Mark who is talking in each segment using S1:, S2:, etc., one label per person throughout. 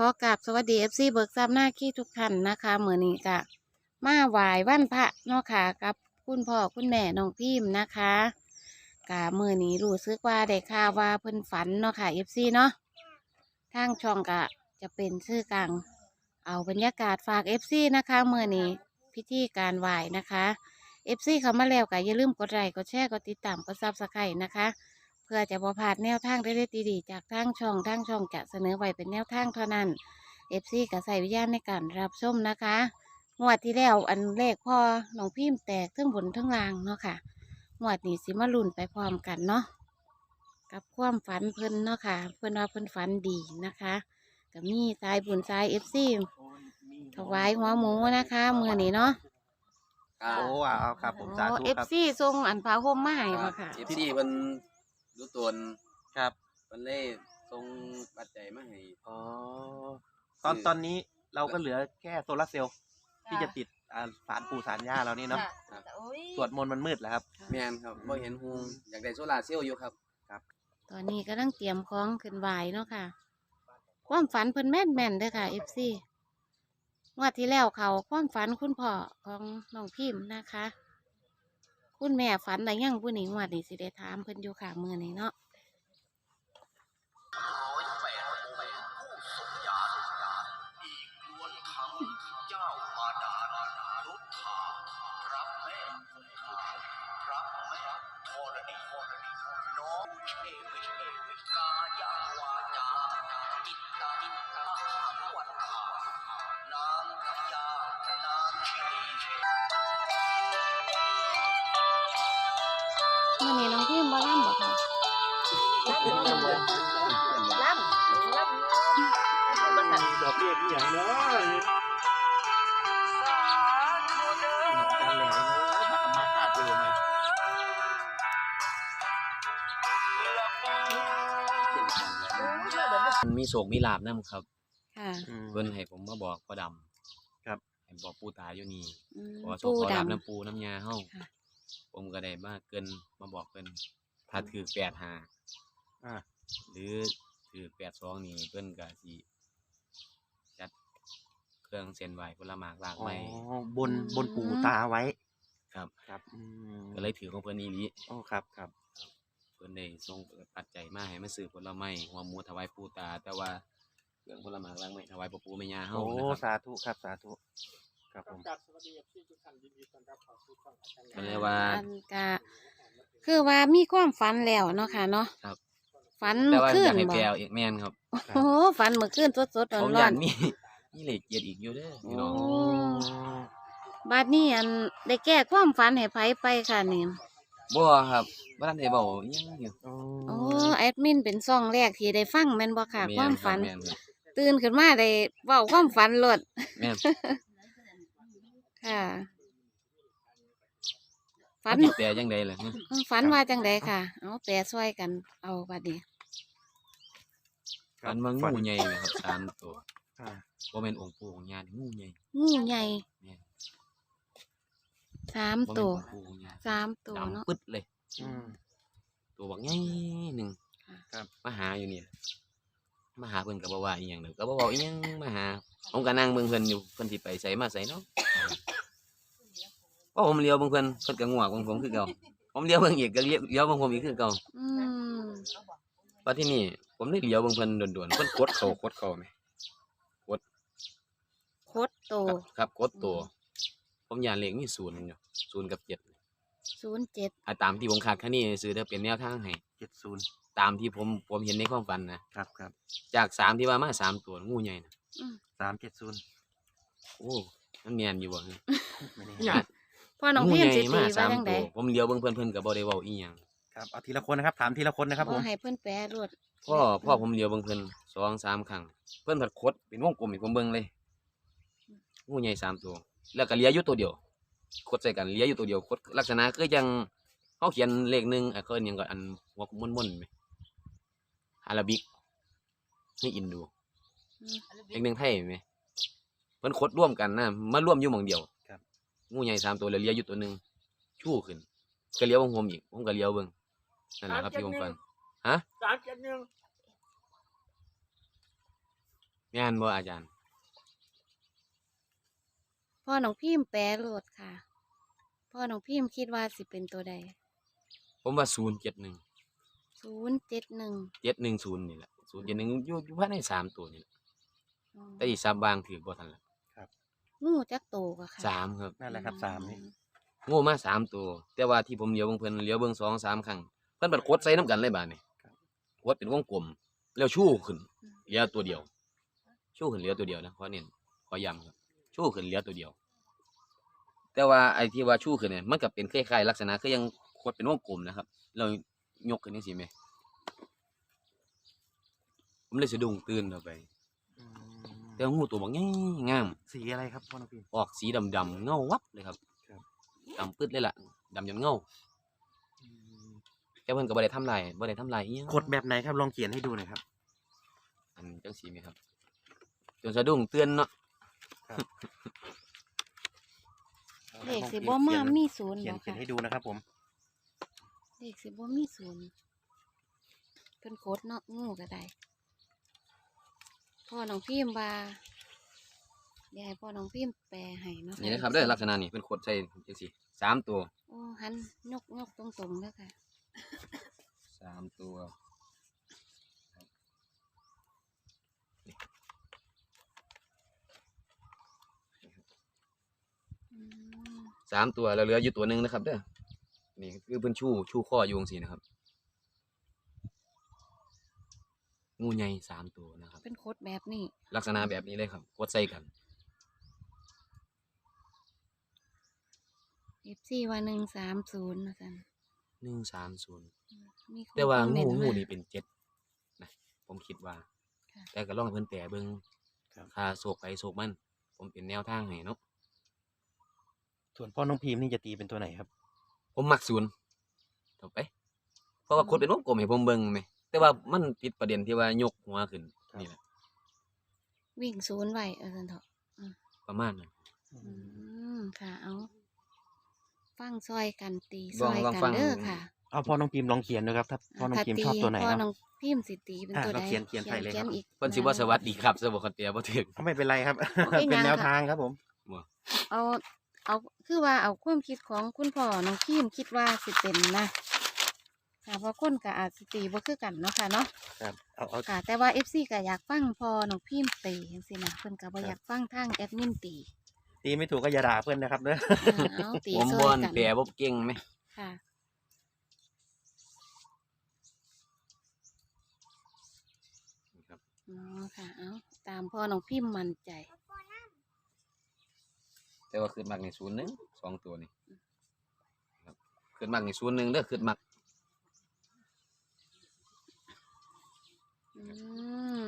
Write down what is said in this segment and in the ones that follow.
S1: อกราบสวัสดีFC เบิกทรัพย์หน้าขี้ทุกท่านนะคะมื้อนี้ก็มาไหว้วันพระเนาะค่ะกับคุณพ่อคุณแม่น้องพิมพ์นะคะกะมื้อนี้รู้สึกว่าได้ข่าวว่าเพิ่นฝันเนาะค่ะ FC เนาะทางช่องก็จะเป็นชื่อกลางเอาบรรยากาศฝาก FC นะคะมื้อนี้พิธีการไหว้นะคะ FC เข้ามาแล้วก็อย่าลืมกดไลค์กดแชร์กดติดตามกด Subscribe นะคะเพื่อจะบ่พลาดแนวทางเด็ดๆดีๆจากทางช่องจะเสนอไว้เป็นแนวทางเท่านั้น FC ก็ใส่วิญญาณในการรับชมนะคะงวดที่แล้วอันเลขพ่อน้องพิมพ์แตกทั้งบนทั้งล่างเนาะค่ะงวดนี้สิมาลุ้นไปพร้อมกันเนาะกับความฝันเพิ่นเนาะค่ะเพิ่นว่าเพิ่นฝันดีนะคะก็มีสายบุญสาย FC ถวายหัวหมูนะคะมื้อนี้เนาะ
S2: โอ้เอาครับผมสาธุ
S1: เอฟ
S2: ครับ
S1: ซีส่งอันผ้าห่มมาให้บ่ค่ะ
S3: เอฟซีเพิ่นรู้ตน
S2: ครับ
S3: เพิ่นเลยส่งปัจจัยมาให้
S2: อ๋อตอนนี้เราก็เหลือแค่โซลาร์เซลล์ที่จะติดศาลปู่ศาลย่าเรานี่เนาะสวดมนต์มันมืดแล้วครับ
S3: แม่นครับบ่เห็นฮูงอยากได้โซลาร์เซลล์อยู่ครับ
S1: ตอนนี้กำลังเตรียมของขึ้นไหวเนาะค่ะ ความฝันเพิ่นแม่นเด้อค่ะเอฟซีงวดที่แล้วเขาความฝันคุณพ่อของน้องพิมพ์นะคะ คุณแม่ฝันอะไรยังผู้นี้งวดนี้สิได้ถามเพิ่นอยู่ค่ะมื้อนี้เนาะมื้อนี้น้องพิมพ์บ่ล่ำบ่ค่ะล่ำ
S2: ดอกเบี้ยที่อย่างเนาะการแหล่เนาะถ้ากลับมาคาดเลยนะ
S3: มันมีโศกมีลาบนำครับ
S1: ค่ะ
S3: เพิ่นให้ผมมาบอกพ่อดำ
S2: ครับ
S3: ให้บอกปู่ตาอยู่นี่
S1: อืม
S3: ขอโชค
S1: ปู
S3: ขอลาบ
S1: ดำ
S3: น้ำปูน้ำยาเฮา
S1: ค่ะ
S3: ผมก็ได้มาเกินมาบอกเพิ่นถ้าถือ85
S2: อ่า
S3: หรือถือ82นี่เพิ่นก็สิจัดเครื่องเส้นไหว้ผลหมากลาก
S2: อ๋อ
S3: ไม้
S2: บนปู่ตาไว้
S3: ครับ
S2: ครับ
S3: ก็เลยถือของเพิ่นอีหลี
S2: อ๋อครับ
S3: เพิ่นได้ส่งปัจจัยมาให้มาซื้อผลไม้หัวหมูถวายปู่ตา แต่ว่าเครื่องผลไม้ล้างไม้ถวายพ่อปู่แม่ย่าเฮา
S2: โอ้
S3: นะครับ
S2: สาธุครับสาธุครับผม
S3: ก็เลยว่า
S1: อันก็คือว่ามีความฝันแล้วเนาะค่ะเนาะ
S3: ครับ
S1: ฝัน
S3: แต่
S1: เมื่อ
S3: ว่า
S1: คื
S3: อน ยากให้
S1: บ่
S3: แปลอีกแม่นครับ
S1: โอ้โหฝันเมื่อคืนสดๆ
S3: ผม
S1: ร้
S3: ยา
S1: อน
S3: นมีเลขเจ็ดอีกอยู่เด้อ
S1: ๆ
S3: พี่น้อง
S1: โอ้บัดนี้อันได้แก้ความฝันให้ไผไปค่ะนี่
S3: บ่ครับบ่ทันได้เว้าอิหยังอยู่
S1: โอ้แอดมินเป็นซ่องแรกที่ได้ฟังแม่นบ่ค่ะ
S3: แม่
S1: ความ
S3: นครั
S1: ฝั
S3: บ
S1: น
S3: แม่นครับ
S1: ตื่นขึ้นมาได้เว้าความฝันโลด
S3: แม่น
S1: ค่ะ ฝัน
S3: สิแปลจังได๋ล่ะ
S1: ฝันว่าจังไดค่ะ เอาแปลช่วยกันเอาบัดนี้
S3: ฝันว่างูใหญ่เลยครับ3ตัว
S2: อ่า
S3: บ่แม่นองค์ปู่องค์ย่างูใหญ่
S1: งูใหญ่
S3: แม่น
S1: สาม
S3: บ่แม่น
S1: ตัว
S3: องค์ปู่องค์ย่า
S1: สามตัวเนาะ
S3: ดำปึ๊ดเลย
S2: อืม
S3: ตัวบักใหญ่หนึง
S1: ค่ะ
S2: ครับ
S3: มาหาอยู่นี่มาหาเพิ่นก็บ่ว่าอีหยังเด้อก็บ่เว้าอีหยังมาหาผมก็นั่งเบิ่งเพิ่นอยู่เพิ่นสิไปไสมาไสเนาะพอผมเลี้ยวเบิ่งเพิ่นก็งวกเบิ่งผมคือเก่าผมเลี้ยวเบิ่งอีกก็เลี้ยวเบิ่งผมอีกคือเก่า
S1: อืม
S3: ว่าที่นี่ผมได้เลี้ยวเบิ่งเพิ่นด่วนๆเพิ่นกดเข้าแหม
S1: โคตรโต
S3: ครับกดตัวผมย่านเลขมี0อยู่0กับ7
S1: 07
S3: ตามที่ผมคาดคะเนซื้อถ้าเป็นแนวทางให้
S2: 70
S3: ตามที่ผมเห็นในความฝันนะครับ
S2: ครับ
S3: จาก3ที่ว่ามา3ตัวงูใหญ่น่ะ
S2: 370
S3: โอ้มันแม่นอยู่บ่ฮะ
S2: ไม่แน่
S3: ญาติ
S1: พ่อน้อง
S3: งู
S1: พิ
S3: ให
S1: มพ์
S3: ญ่
S1: สิตี
S3: มา
S1: ไว้จัง
S3: 3
S1: ได
S3: ตัวผมเลี้ยวเบิ่งเพิ่นก็บ่ได้เว้าอีหยัง
S2: ครับเอาทีละคนนะครับถามทีละคนนะครับผม
S1: บ่ให้เพิ่นแปลรวด
S3: พ่อผมเลี้ยวเบิ่งเพิ่น2-3 ครั้งเพิ่นผัดคดเป็นวงกลมให้ผมเบิ่งเลยงูใหญ่3 ตัวแล้วก็เหลืออยู่ตัวเดียวคดใส่กันเหลืออยู่ตัวเดียวคดลักษณะคือจังเฮาเขียนเลข1เขาเอิ้นหยังก็อันหัวม่วนๆแหมอาราบิกนี่อินโด
S1: อืม
S3: เลข1ไทยแหมเพิ่นคดร่วมกันนะมาร่วมอยู่หม้องเดียว
S2: ครับ
S3: งูใหญ่3ตัวแล้วเหลืออยู่ตัวหนึงชู้ขึ้นก็เลี้ยวเบิ่งผมอีกผมก็เลี้ยวเบิ่งนั่นแหละครับที่ผมฝันฮะ
S2: 371
S3: แม่นบ่อาจารย์
S1: พ่อน้องพิมพ์แปลโลดค่ะพ่อน้องพิมพ์คิดว่าสิเป็นตัวใด
S3: ผมว่า071
S1: 071
S3: 710นี่แหละ071อยู่ภายใน3ตัวนี่แหละแต่อีก3บางถือบ่ทันละ
S1: งูจักโตก็ค่ะ
S3: 3ครับ
S2: นั่นแหละครับสามนี่
S3: งูมา3ตัวแต่ว่าที่ผมเลี้ยวเบิ่งเพิ่นเลี้ยวเบิ่ง2-3 ครั้งเพิ่นบัดกดใส่น้ำกันเลยบาดนี้กดเป็นวงกลมแล้วชูขึ้นเหลือตัวเดียวชูขึ้นเหลือตัวเดียวนะขอเน้นขอย้ำครับชูขึ้นเหลือตัวเดียว แต่ว่าไอ้ที่ว่าชูขึ้นเนี่ยมันก็เป็นคล้ายๆลักษณะคือยังกดเป็นวงกลมนะครับเรายกขึ้นจังซี่แหมผมเลยสะดุ้งตื่นออกไป
S2: อืม
S3: แต่ว่างูตัวบักใหญ่งาม
S2: สีอะไรครับพ่อน้องพิมพ์
S3: ออกสีดำๆเงาวับเลยครับ
S2: ครับ
S3: ดำปึ๊ดเลยล่ะดำจนเงาแต่เพิ่นก็บ่ได้ทำลายอีหยัง
S2: ขดแบบไหนครับลองเขียนให้ดูหน่อยครับ
S3: อันจังซี่แหมครับจนสะดุ้งตื่นเนาะ
S1: เลขสิบ่มามีศูนย์
S2: เขียน
S1: บ่
S2: เขียน
S1: ค่ะ
S2: ให้ดูนะครับผม
S1: เลขสิบ่มีศูนย์เพิ่นโคตรเนาะงูก็ได้พ่อน้องพิมพ์ว่าเดี๋ยวให้พ่อน้องพิมพ์แปลให้เนาะ
S3: นี่นะครับเด้อลักษณะนี้เป็นขดใส่จังซี่3ตัว
S1: โอ้หันยกตรงๆเด้อค่ะ
S3: 3ตัว
S1: อืม
S3: 3ตัวแล้วเหลืออยู่ตัวหนึงนะครับเด้อนี่คือเพิ่นชูข้ออยู่จังซี่นะครับงูใหญ่3ตัวนะครับ
S1: เป็นโคตรแบบนี้
S3: ลักษณะแบบนี้เลยครับกดใส่กัน
S1: FC ว่า130ว่าซั่น
S3: 130
S1: มีคน
S3: แต่ว่า
S1: คอมเม
S3: งู
S1: นต์
S3: งู
S1: มา
S3: นี่เป็น7นะผมคิดว่า
S1: ค่ะ
S3: แต่ก็ลองให้เพิ่นแปลเบิ่ง
S2: ครับ
S3: ค่าโศกไปโศกมัน ผมเป็นแนวทางให้เนาะ
S2: ส่วนพ่อน้องพิมพ์นี่จะตีเป็นตัวไหนครับ
S3: ผมมักศูนย์ถูกไปเพราะว่าคนเป็นวงกลมให้ผมเบิ่งแหมแต่ว่ามันติดประเด็นที่ว่ายกหัวขึ้น
S2: ครับ
S3: นี่แหละ
S1: วิ่งศูนย์ไว้ซั่นเถาะ
S3: ประมาณนั้น
S1: ค่ะเอาฟังซอยกันตีซ
S3: ลอง
S1: อย
S3: ลอง
S1: กัน
S3: ฟัง
S1: เด้อค่ะ
S2: เอาพ่อน้องพิมพ์ลองเขียนดูครับถ้าพ่อน้องพิมพ์ชอบตัวไหน
S1: พ่อ
S2: เนาะ
S1: น้องพิมพ์สิตีเป็นตัว
S2: เรา
S1: ใด
S2: เขียนใส่เลยครับ
S1: อีก
S3: เพิ่นสิว่าสวัสดีครับสวัสดีครับบ่ถึง
S2: ไม่เป็นไรครับ
S1: ไม่
S2: เป็น
S1: ยัง
S2: แนว
S1: ค่ะ
S2: ทางครับผม
S1: เอาคือว่าเอาความคิดของคุณพ่อน้องพิมพ์คิดว่าสิเป็นนะค่ะเพราะคนก็อาจสิตีบ่คือกันเนาะค่ะเนาะ
S2: ครับเอา
S1: ค่ะ แต่ว่า FC ก็อยากฟังพ่อน้องพิมพ์ตีจังซี่นะเพิ่นก็บ่อยากฟังทางแอดมินตี
S2: ตีไม่ถูกก็อย่าด่าเพื่อนนะครับเนอะ
S1: เอาตี
S3: ผม
S1: ซ
S3: บ่
S1: อย
S3: น
S1: กัน
S3: แปลบ่เก่งไหม
S1: ค่ะ
S3: ครับ
S1: อ๋อค่ะเอาตามพ่อน้องพิมพ์มั่นใจ
S3: แต่ว่าขึ้นมักนี่01 2ตัวนี่ครับขึ้นมักนี่01เด้อขึ้นมัก
S1: อืม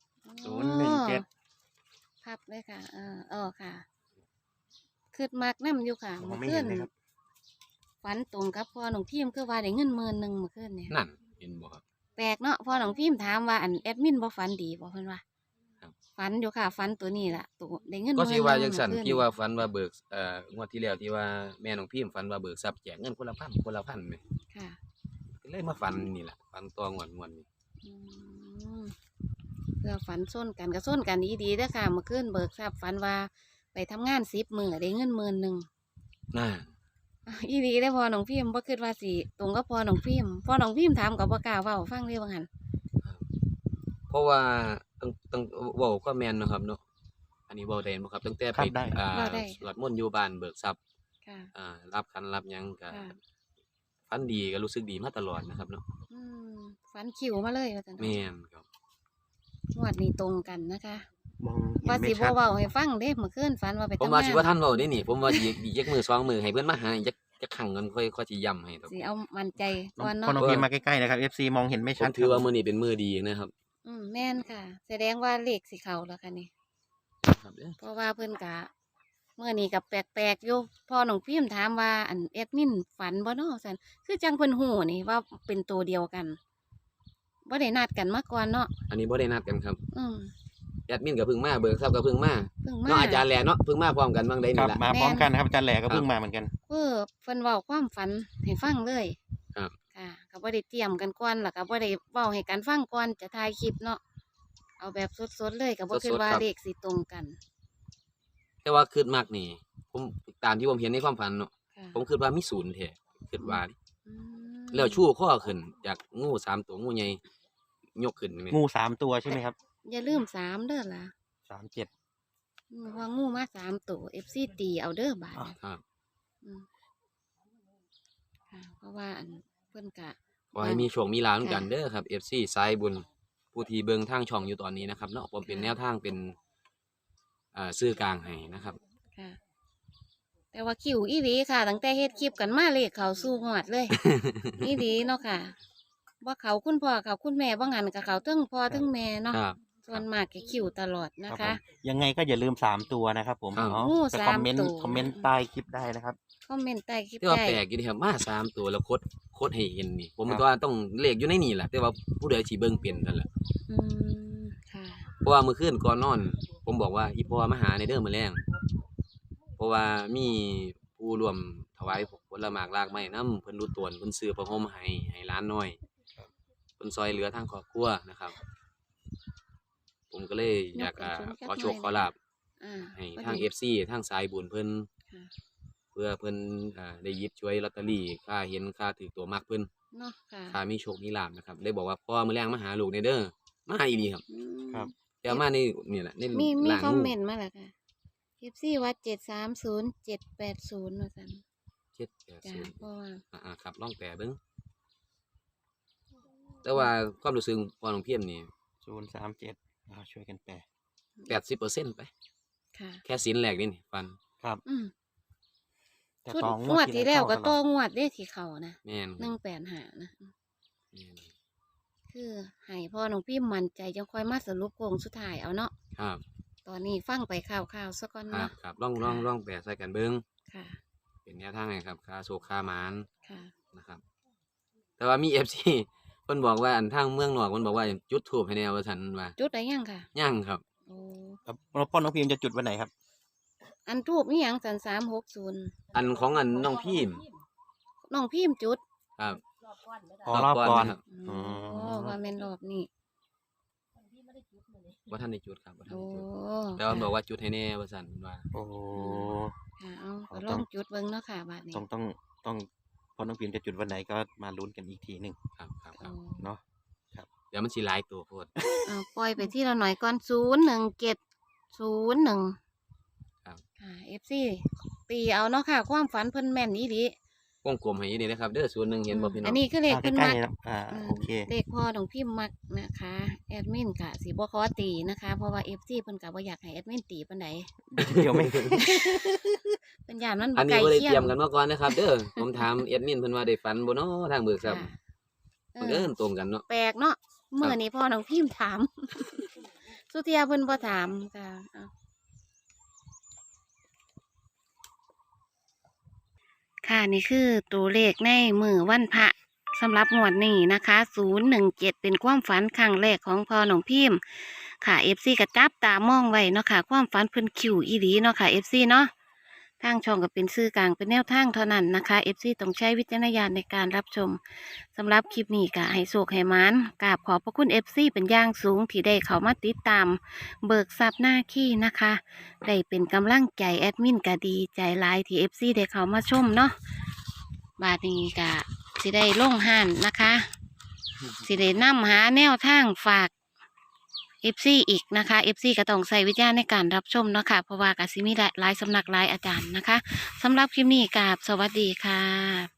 S2: 017
S1: พับเลยค่ะ ค่ะคือมักน้ำอยู่ค่ะ
S2: ผม
S1: เมื่อ
S2: ไม่
S1: คื
S2: เห็
S1: น
S2: นเลยครับ
S1: ฝันตรงกับพ่อน้องพิมพ์คือว่าได้เงิน10,000เมื่อคืนเนี่ย
S3: นั่นเห็นบ่ครับ
S1: แปลกเนาะพ่อน้องพิมพ์ถามว่าอันแอดมินบ่ฝันดีบ่เพิ่นว่า
S3: ครับ
S1: ฝันอยู่ค่ะฝันตัวนี้ล่ะตัวได้เงิน
S3: ก็สิว่าจัง
S1: 10,000
S3: ซั่น
S1: เมื่อคื
S3: ที่ว่าฝันว่าเบิกงวดที่แล้วที่ว่าแม่น้องพิมพ์ฝันว่าเบิกทรัพย์แจกเงินคนละ1,000คนละ1,000แหม
S1: ค่ะ
S3: ก็เลยมาฝันนี่ล่ะฝันตัวงวดนี้
S1: อืมเพื่อฝันส้นกันก็ส้นกันดีๆเด้อค่ะเมื่อคืนเบิกทรัพย์ฝันว่าไปทำงาน10 มื้อได้เงิน10,000
S3: น่า
S1: อีดีได้อพอน้องพิมพ์บ่คิดว่าสิตรงกับพอน้องพิมพ์พอน้องพิมพ์ถามกับบ่กล้าเว้าฟังเลยว่างั้น
S3: เพราะว่าตั้งเว้าก็แม่นเนาะครับเนาะอันนี้เว้าได้บ่ครับตั้งแต่
S2: ครั
S3: ไป
S2: บได้
S1: เว้าได้
S3: สวดมนต์อยู่บ้านเบิกทรัพย์
S1: ค่ะ
S3: รับขันรับหยังก็
S1: ค่ะ
S3: ฝันดีก็รู้สึกดีมาตลอดนะครับเนาะ
S1: อืมฝันคิวมาเลยว่าซั่น
S3: แม่นครับ
S1: งวดนี้ตรงกันนะคะ
S2: มองเห็
S1: ว่าน
S2: ไม่
S1: สิ
S2: ชั
S1: บ่
S2: ด
S1: เว้าให้ฟังเด้เมื่อคืนฝันว่าไป
S3: ผม
S1: ทำ
S3: ว่าสิ
S1: งา
S3: ว่าน ท่านเว้าได้นี่ ผมว่าอีกจักมื้อ2มื้อให้เพิ่นมาหาอีกจักครั้งเงินค่อยสิย้ำให้ดอก
S1: สิเอามั่นใจก่อน
S2: พ่อ
S1: เนาะ
S2: น้องพิมพ์มาใกล้ๆนะครับ FC มองเห็นไม่
S3: ผ
S2: ชั
S3: ม
S2: ด
S3: ถือว่า
S2: ครับ
S3: มื้อนี้เป็นมื้อดีนะครับ
S1: แม่นค่ะ แสดงว่าเลขสิเข้าแล้วค่ะนี่
S3: ครับเด้อ
S1: เพราะว่าเพิ่นก็มื้อนี้ก็แปลกๆอยู่พอน้องพิมพ์ถามว่าอันแอดมินฝันบ่เนาะซั่นคือจังเพิ่นฮู้นี่ว่าเป็นตัวเดียวกันบ่ได้นัดกันมาก่อนเนาะ
S3: อันนี้บ่ได้นัดกันครับ
S1: อืม
S3: แอดมินก็เพิ่งมาเบิกทรัพย์ก็เพิ่งมา
S1: เพิ่งมา
S3: เนาะอาจารย์แหล่เนาะเพิ่งมาพร้อมกันบางใด
S2: ครั
S3: นี่
S2: บ
S3: ล่ะ
S2: มาพร้อมกันนะครับอาจารย์แหล่ก็
S3: ครับ
S2: เพิ่งมาเหมือนกัน
S1: คือเพิ่นเว้าความฝันให้ฟังเลย
S3: ครับ
S1: ค่ะก็บ่ได้เตรียมกันก่อนแล้วก็บ่ได้เว้าให้กันฟังก่อนจะถ่ายคลิปเนาะเอาแบบสดๆเลยก็บ่คิด
S3: สดๆ
S1: ว่า
S3: ครับ
S1: เลขสิตรงกัน
S3: แต่ว่าคิดมากนี่ผมตามที่ผมเห็นในความฝันเนาะ
S1: ค่ะ
S3: ผมคิดว่ามีศูนย์แท้คิดว่า
S1: อืม
S3: แล้วชู้ข้อขึ้นจากงู3ตัวงูใหญ่ยกขึ้นนี่
S2: งู3 ตัวใช่ไหมครับ
S1: อย่าลืม3เด้อล่ะ
S2: 37
S1: ว่างูมา3ตัว FC ตีเอาเด้อบาด
S2: อ๋อ
S1: นี้
S3: ครับ
S1: อืมค่ะเพราะว่าอันเพิ่นกะ
S3: ขอให้มีโชคมีลาภเหมือนกัน
S1: ค่ะ
S3: เด้อครับ FC สายบุญผู้ที่เบิ่งทางช่องอยู่ตอนนี้นะครับเนาะผมเป็น
S1: ค่ะ
S3: แนวทางเป็นสื่อกลางให้นะครับ
S1: ค่ะ แต่ว่าคิวอีหลีค่ะตั้งแต่เฮ็ดคลิปกันมาเลขเขาสู้งวดเลย อีหลีเนาะค่ะว่าเขาคุณพ่อเขาคุณแม่บ่งั้นกับเขาเทั้งพ่อเทั้งแม่เนาะ
S3: ครับ
S1: ส่วนมากก็คิวตลอดนะ
S2: รับ
S1: คะ
S2: ผมยังไงก็อย่าลืม3 ตัวนะครับผม
S3: ครับ
S2: เนาะ
S1: งู
S2: ไป
S1: สามตัว
S2: คอมเมนต์ใต้คลิปได้นะครับ
S1: คอมเมนต์ใต้คลิป
S3: แต่ว่า
S1: ได้
S3: แปลกอยู่ดีครับมา3ตัวแล้วโคดให้เห็นนี่ ผม
S2: ครับ
S3: ก็ว่าต้องเลขอยู่ในนี่แหละแต่ว่าผู้ใดสิเบิ่งเป็นนั่นแหละ
S1: อืมค่ะ
S3: เพราะว่ามื้อคืนก่อนนอน ผมบอกว่าอีพ่อมาหาในเด้อมื้อแลงเพราะว่ามีผู้ร่วมถวายผลหมากรากไม้นำเพิ่นรู้ตวนเพิ่นซื้อผ้าห่มให้หลานน้อยเพิ่นซอยเหลือทางครอบครัวนะครับ ผมก็เลยอยากขอโชคขอลาภ
S1: อ่า
S3: ให้
S1: พอ
S3: ทาง
S1: ดี
S3: FC ทางสายบุญเพิ่น
S1: ค่ะ
S3: เพื่อเพิ่นได้หยิบช่วยลอตเตอรี่ค่าเห็นค่าถือตัวมักเพิ่น
S1: เนาะค่ะ
S3: ค่ามีโชคมีลาภนะครับเลยบอกว่าพ่อมื้อแรงมาหาลูกในเด้อมาหาอีหลีครับ
S1: อืม
S2: ครับ
S3: แต่มาในนี่แหละใน
S1: มี
S3: หลัง
S1: คอม
S3: งู
S1: เมนต์มาแล้วค่ะคลิปซี่ว่า730 780ว่าซั่นจ้ะ
S3: 780
S1: เพราะว่า
S3: ครับลองแปลเบิ่งแต่ว่าความรู้สึกพ่อน้องเพียรนี่
S2: 037ช่วยกันแปล
S3: 80%ไป
S1: ค่ะ
S3: แค่สินแรกนี่ฟัน
S2: ครับ
S1: อืม
S2: แต่
S1: ชุด
S2: ต่อง
S1: วดที่แล้วก็
S2: เข้า
S1: ต่
S2: ต
S1: อ
S2: ลอด
S1: งวดได้ที่เขานะ
S3: แม่นครับ
S1: 185นะ
S3: แม่น
S1: คือให้พ่อน้องพี่มั่นใจจังค่อยมาสรุปโค้งสุดท้ายเอาเนาะ
S3: ครับ
S1: ตอนนี้ฟังไปข่าวๆซะก่อน
S3: ครับ
S1: เนาะ
S3: ครับลองแปลใส่กันเบิ่ง
S1: ค่ะ
S3: เป็นแนวทางไงครับค่าโชคค่าหมาน
S1: ค่ะ
S3: นะครับ แต่ว่ามี FC เพิ่นบอกว่าอันทางเมืองนอกเพิ่นบอกว่าจุดธูปให้แนวว่าซั่นว่า
S1: จุดได้ยังค่ะ
S3: ยังครับ
S1: โอ้
S2: แล้วพ่อน้องพิมพ์จะจุดวันไหนครับ
S1: อันทูบนี่ยังสัน360
S3: อันของอันน้องพิมพ์
S1: น้องพิมพ์จุด
S3: ครับ
S2: อ๋อรอบก่อน
S3: ครับ
S1: โอ้ว่าแม่นรอบนี้
S3: บ่ทันได้จุดครับบ่ทัน
S1: โอ้
S3: ได้จุดแต่ว่าบอกว่าจุดให้แน่ว่าซั่นว่า
S2: โอ้
S1: ค่ะเอา
S2: อ๋อ
S1: ก็ลองจุดเบิ่งเนาะค่ะบัดนี้
S2: ต้องพ่อน้องพิมพ์จะจุดวันไหนก็มาลุ้นกันอีกทีหนึ่ง
S3: ครับครับ
S1: โอ้
S2: เนาะ
S3: เดี๋ยวมันสิหลายตัวโพด
S1: เอาปล่อยไปที่ละหน่อยก่อน01701
S3: ครับ
S1: ค่ะ FC ตีเอาเนาะค่ะ ความฝันเพิ่นแม่นอีหลี
S3: วงกลมให้นี่นะครับเด้อส่วนหนึงเห็นบ่พี่น้
S1: อั
S3: อน ง
S1: นี้คือเลข
S2: ใก
S1: เพิ่น
S2: ล้
S1: มัก
S2: ๆเลยนะโอเค
S1: เลขพ่อของพี่มักนะคะแอดมินกะสิบ่ขอตีนะคะ เพราะว่า FC เพิ่นกะบ่อยากให้แอดมินตีปานใด
S2: เดี๋ยวไม่
S1: เป็นยามนั้น
S3: อั
S1: บ่
S3: น
S1: ไก
S3: นี้
S1: ล
S3: บ่ได้
S1: เคีย
S3: เตรีย
S1: ง
S3: มกันมาก่อนนะครับ เด้อผมถามแอดมินเพิ่นว่าได้ฝันบ่เนาะทางเบิกทรัพย์
S1: ค่ะเอ
S3: มัน
S1: อ
S3: เอิ้นตรงกันเนาะ
S1: แปลกเนาะมื้อนี้พ่อน้องพิมพ์ถาม สุเทียเพิ่นบ่ถามค่ะเอาค่ะนี่คือตัวเลขในมือวันพระสำหรับงวดนี้นะคะ017เป็นความฝันครั้งแรกของพ่อน้องพิมพ์ค่ะ FC ก็จับตามองไว้เนาะค่ะ ความฝันเพิ่นคิวอีหลีเนาะค่ะ FC เนาะทางช่องก็เป็นสื่อกลางเป็นแนวทางเท่านั้นนะคะ FC ต้องใช้วิจารณญาณในการรับชมสำหรับคลิปนี้ก็ให้โชคให้หมานกราบขอบพระคุณ FC เป็นอย่างสูงที่ได้เข้ามาติดตาม เบิกทรัพย์หน้าขี้นะคะได้เป็นกำลังใจแอดมินก็ดีใจหลายที่ FC ได้เข้ามาชมเนาะบาดนี้ก็สิได้ลงห้านนะคะสิได้นำหาแนวทางฝาก FC อีกนะคะ FC ก็ต้องใส่วิจารณ์ในการรับชมเนาะค่ะเพราะว่าก็สิมีหลายสำนักหลายอาจารย์นะคะสำหรับคลิปนี้กราบสวัสดีค่ะ